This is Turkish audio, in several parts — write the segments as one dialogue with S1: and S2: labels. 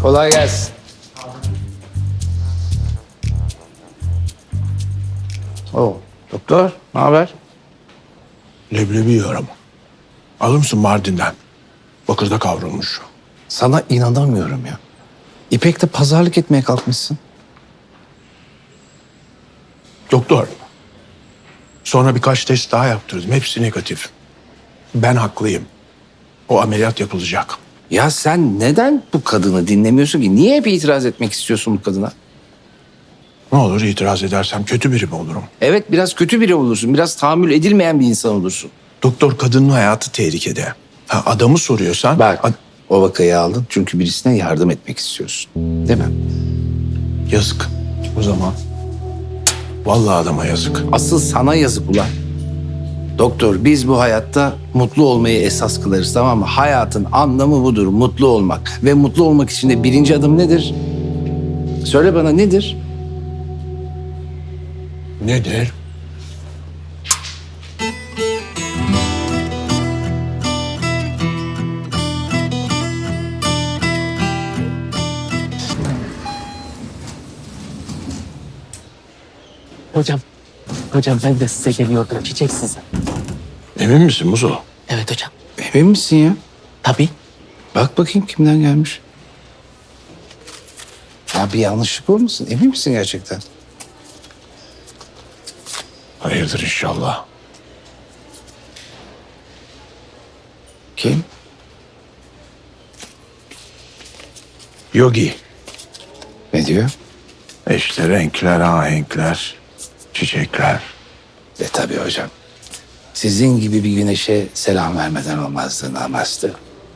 S1: Kolay gelsin. Oo, doktor, ne haber?
S2: Leblebi yiyorum. Alır mısın Mardin'den? Bakırda kavrulmuş.
S1: Sana inanamıyorum ya. İpek'te pazarlık etmeye kalkmışsın.
S2: Doktor. Sonra birkaç test daha yaptırdım. Hepsi negatif. Ben haklıyım. O ameliyat yapılacak.
S1: Ya sen neden bu kadını dinlemiyorsun ki? Niye hep itiraz etmek istiyorsun bu kadına?
S2: Ne olur itiraz edersem kötü biri mi olurum?
S1: Evet, biraz kötü biri olursun. Biraz tahammül edilmeyen bir insan olursun.
S2: Doktor, kadının hayatı tehlikede. Ha, adamı soruyorsan...
S1: Bak, o vakayı aldın çünkü birisine yardım etmek istiyorsun. Değil mi?
S2: Yazık. O zaman... Vallahi adama yazık.
S1: Asıl sana yazık ulan. Doktor, biz bu hayatta mutlu olmayı esas kılarız, tamam mı? Hayatın anlamı budur, mutlu olmak. Ve mutlu olmak için de birinci adım nedir? Söyle bana, nedir?
S2: Nedir?
S3: Hocam ben de size geliyordum. Çiçek size.
S2: Emin misin Muzo?
S3: Evet hocam.
S1: Emin misin ya?
S3: Tabii.
S1: Bak bakayım kimden gelmiş. Ya bir yanlışlık olmasın? Emin misin gerçekten?
S2: Hayırdır inşallah.
S1: Kim?
S2: Yogi.
S1: Ne diyor?
S2: İşte renkler, ahenkler, çiçekler.
S1: Tabii hocam. Sizin gibi bir güneşe selam vermeden olmazdı, namazdı.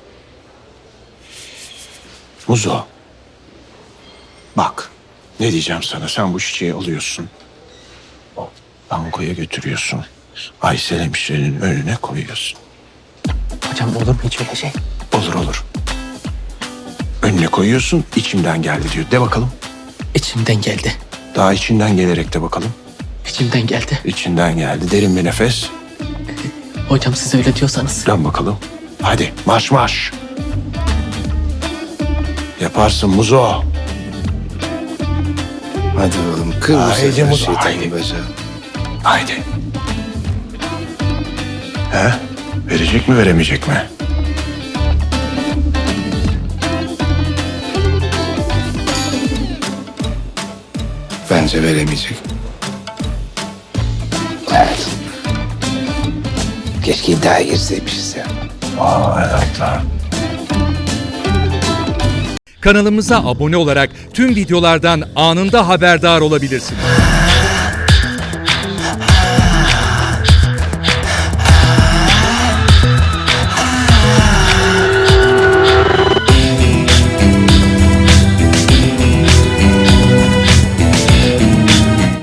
S2: Muzo. Bak. Ne diyeceğim sana? Sen bu çiçeği alıyorsun. Bankoya götürüyorsun. Aysel hemşirenin önüne koyuyorsun.
S3: Hocam olur mu hiç öyle şey?
S2: Olur olur. Önüne koyuyorsun, içimden geldi diyor. De bakalım.
S3: İçimden geldi.
S2: Daha içinden gelerek de bakalım.
S3: İçimden geldi.
S2: İçinden geldi. Derin bir nefes.
S3: Hocam siz öyle diyorsanız.
S2: Dön bakalım. Hadi marş marş. Yaparsın Muzo.
S1: Hadi oğlum, kır bu
S2: Haydi
S1: sefer
S2: Muzo,
S1: şeytanın
S2: haydi.
S1: bacağı.
S2: Haydi. He? Verecek mi veremeyecek mi?
S1: Bence veremeyecek. Evet. Keşke iddiaya girseymişiz ya.
S2: Aa evet lan.
S4: Kanalımıza abone olarak tüm videolardan anında haberdar olabilirsiniz.